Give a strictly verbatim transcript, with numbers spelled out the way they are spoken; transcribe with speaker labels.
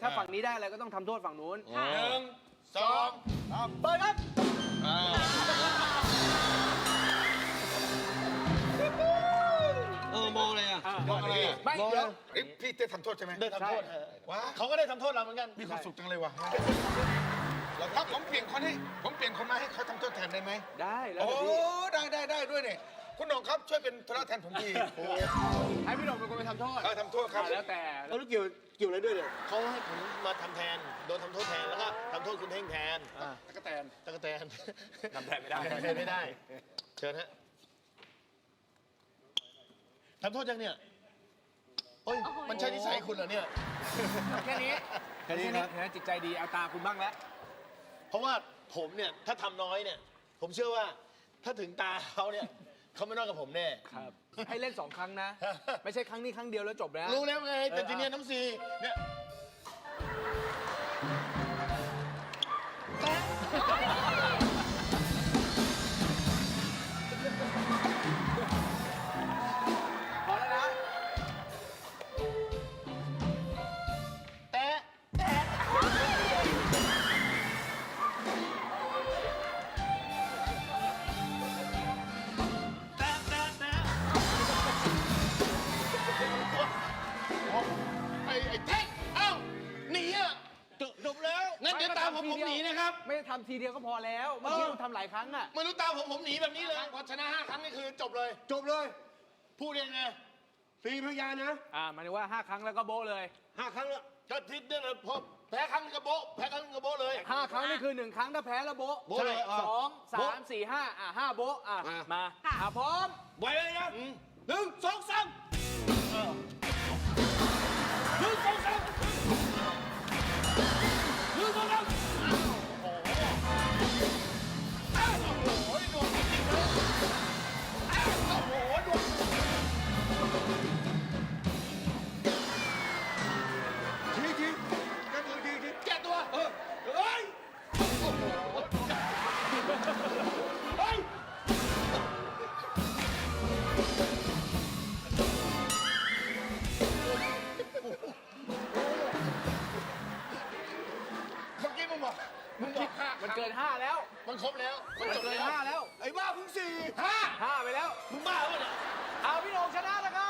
Speaker 1: าฝั่งนี้ได้อะไรก็ต้องทำโทษฝั่งนู้น
Speaker 2: หนึ่งสองสาม
Speaker 1: เปิดครับ
Speaker 3: เออมองอะไรอ่ะ
Speaker 2: มองอะไรอ่ะ
Speaker 1: ไม่
Speaker 3: มอง
Speaker 1: เดี๋ยว
Speaker 2: เอ้ยพี่เต้ทำโทษใช่ไหม
Speaker 4: ได้ทำโทษ
Speaker 2: ว้า
Speaker 4: เขาก็ได้ทำโทษเราเหมือนกัน
Speaker 2: มีความสุขจังเลยว่ะถ้าผมเปลี่ยนคนให้ผมเปลี่ยนคนมาให้เขาทำโทษแทนได้ไหม
Speaker 1: ได้แล้ว
Speaker 2: โอ้
Speaker 1: แต่พี่
Speaker 2: ได้ได้ได้ด้วยเนี่ยคุณหน่องครับช่วยเป็นธุระแทนผมที
Speaker 1: ให้พี่หนุ่มเป็นคนไปทำโทษ
Speaker 2: เออทำโทษครับ
Speaker 1: อ่ะแล้วแต่
Speaker 4: แล้วเกี่ยวเกี่ยวอะไรด้วยเนี่ยเขาให้ผมมาทำแทน โดนทำโทษแทน แล้วก็ทำโทษคุณเท่งแทน
Speaker 2: ตะกแตน
Speaker 4: ตะกะแตน
Speaker 1: ทำแทนไม่ได้
Speaker 4: ทำแทนไม่ได้ เชิญฮะทำโทษยังเนี่ยโอ้ย มันใช่นิสัยคุณเหรอเนี่ย
Speaker 1: แค่นี้แค่นี้นะเห็นไหมจิตใจดีเอาตาคุณบ้างแล้ว
Speaker 4: เพราะว่าผมเนี่ยถ้าทำน้อยเนี่ย ผมเชื่อว่าถ้าถึงตาเขาเนี่ยเขาไม่นอกกับผมแน่
Speaker 1: ครับให้เล่นสองครั้งนะ ไม่ใช่ครั้งนี้ครั้งเดียวแล้วจบแล้ว
Speaker 4: รู้แล้วไง แต่ทีเนี้ยน้ำซีเนี่ย
Speaker 1: พอแล้วนะ
Speaker 4: แตะแตะแตะแตะแตะไอ้ไอ้เท่งเอ้าหนีอ่ะจบแล้วงั้นเดี๋ยวตามผมผมหนีนะครับ
Speaker 1: ไม่ได้ทำทีเดียวก็พอแล้วเมื่อกี้คุณทำหลายครั้งอ่ะ
Speaker 4: ไม่รู้ตามผมผมหนีแบบนี้เลยพอชนะห้าครั้งนี่คือจบเลย
Speaker 3: จบเลย
Speaker 4: พูดยังไง
Speaker 3: สี่พยานนะ
Speaker 1: อ่าหมายถึงว่าห้าครั้งแล้วก็โบ๊ะเลย
Speaker 3: ห้าครั้งแล้ว
Speaker 4: ก็ทิศเนี่ยนะพอแพ้ครั้งนึงก็โบ๊ะแพ้ครั้งนึงก็โบ๊ะเลย
Speaker 1: ห้าครั้งนี่คือหนึ่งครั้งถ้าแพ้แล้วโบ๊ะ
Speaker 3: โบ๊ะเลยอ่ะ
Speaker 1: สองสามสี่ห้าอ่ะห้าโบ๊ะอ่ะ
Speaker 3: อ่ะ
Speaker 1: มาอ่ะพร้อม
Speaker 3: ไวเลยนะหนึ่งสองสามหนึ่งสองสามหนึ่งสองสาม
Speaker 4: โอ้ยดวงจริงๆเลยอ้าวโอ้โหดวง
Speaker 3: ทีทีกันมือทีที
Speaker 4: แก้ตัว
Speaker 3: เออเฮ้ย
Speaker 4: เฮ้ย
Speaker 2: เมื่อกี้มึงบอกมึงบอกห้า
Speaker 1: มันเกินห้าแล้ว
Speaker 4: มันครบแล้วมัน
Speaker 1: มัน
Speaker 4: จบ
Speaker 1: เกิน
Speaker 4: แล้ว
Speaker 1: ห้าแล้ว
Speaker 3: ไอ้บ้าเพิ่งสี่
Speaker 4: ห้า
Speaker 1: ห้าไปแล้ว
Speaker 4: มึงบ้าปะเนี่ย
Speaker 1: เอาพี่โหน่งชนะแล้วครับ